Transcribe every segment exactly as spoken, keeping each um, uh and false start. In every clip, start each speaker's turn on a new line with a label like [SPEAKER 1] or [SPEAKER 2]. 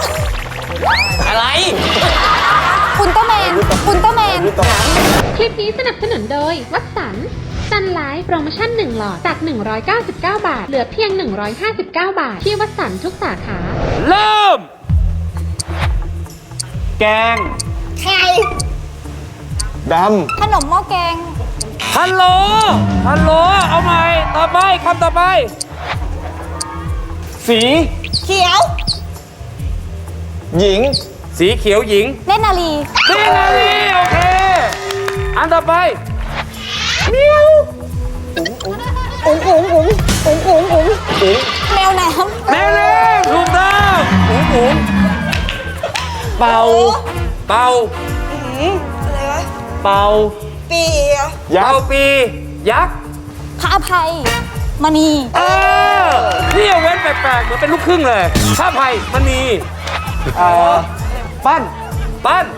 [SPEAKER 1] อะไร
[SPEAKER 2] อุลตร้าแมนอุลตร้าแมน
[SPEAKER 3] คลิปนี้สนับสนุนโดยวัตสันซันไลฟ์โปรโมชั่นหนึ่งหลอดจากหนึ่งร้อยเก้าสิบเก้าบาทเหลือเพียงหนึ่งร้อยห้าสิบเก้าบาทที่วัตสันทุกสาขา
[SPEAKER 1] เริ่มแกง
[SPEAKER 2] ไข่
[SPEAKER 4] ด
[SPEAKER 2] ขนมหม้อแกง
[SPEAKER 1] ฮัลโหลฮัลโหลเอาใหม่ต่อไปคำต่อไป
[SPEAKER 4] ำสี
[SPEAKER 2] เขียว
[SPEAKER 4] หญิง
[SPEAKER 1] สีเขียวหญิง
[SPEAKER 2] เล่นนาลี
[SPEAKER 1] เนนาลีโอเคอันต่อไป
[SPEAKER 2] อุ๋งอุ๋งอุ๋งอุ๋งอุ๋งอุ๋งแมวน้
[SPEAKER 1] แมวเล่นถูกต้องอุ๋งอุ๋งเป่าเป่า
[SPEAKER 2] อะไรวะ
[SPEAKER 1] เป่า
[SPEAKER 2] ปี
[SPEAKER 4] ยั
[SPEAKER 1] เป่าก
[SPEAKER 4] ษ์
[SPEAKER 1] ปียักษ์
[SPEAKER 2] พระอภัยมณี
[SPEAKER 1] เออนี่เอาเว้นแปลกๆเหมือนเป็นลูกครึ่งเลยข้าไผ่มันมี
[SPEAKER 4] เอ่อปั้น
[SPEAKER 1] ปั้น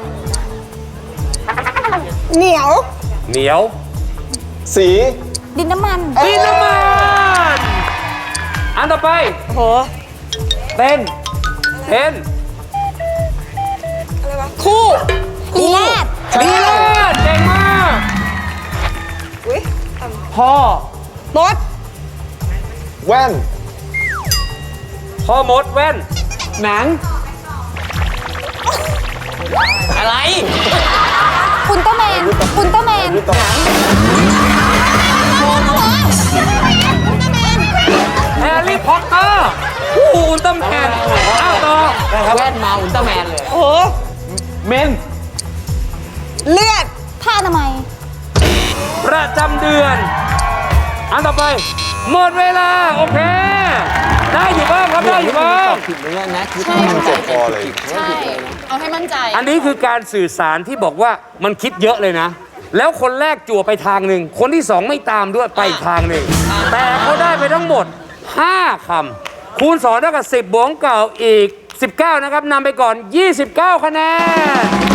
[SPEAKER 2] เหนียว
[SPEAKER 1] เหนียว
[SPEAKER 4] สี
[SPEAKER 2] ดินน้ำมัน
[SPEAKER 1] ดินน้ำมันอันต่อไป
[SPEAKER 2] โห
[SPEAKER 1] เต้นเต้น
[SPEAKER 2] คู่ลีลาด
[SPEAKER 1] ดีเลิศเก่งมาก
[SPEAKER 4] พ่อ
[SPEAKER 2] รถ
[SPEAKER 4] แว่น
[SPEAKER 1] พ่อมดแว่น
[SPEAKER 4] หนัง
[SPEAKER 1] อะไร
[SPEAKER 2] อุลตร้าแมนอุลตร้าแมน
[SPEAKER 1] แฮร์รี่พอตเตอร์อุลตร้าแมนอ้าวต่อ
[SPEAKER 5] แว่นมาอุลตร้าแมนเลย
[SPEAKER 2] โอ้
[SPEAKER 4] เมน
[SPEAKER 2] เลือดผ้าอนามัย
[SPEAKER 1] ประจำเดือน อันต่อไป หมดเวลา โอเค ได้อยู่บ้างครับ ได้อยู่บ้าง
[SPEAKER 5] ผิดเลยนะคือ
[SPEAKER 4] ใช่มันเจ็บคอเลย
[SPEAKER 6] ใช่ เอาให้มั่นใจ
[SPEAKER 1] อันนี้คือการสื่อสารที่บอกว่ามันคิดเยอะเลยนะ แล้วคนแรกจั่วไปทางหนึ่ง คนที่สองไม่ตามด้วยไปอีกทางหนึ่ง แต่เขาได้ไปทั้งหมด ห้าคำคูณสองเท่ากับสิบบวกเก่าอีก สิบเก้านะครับนำไปก่อน ยี่สิบเก้า คะแนน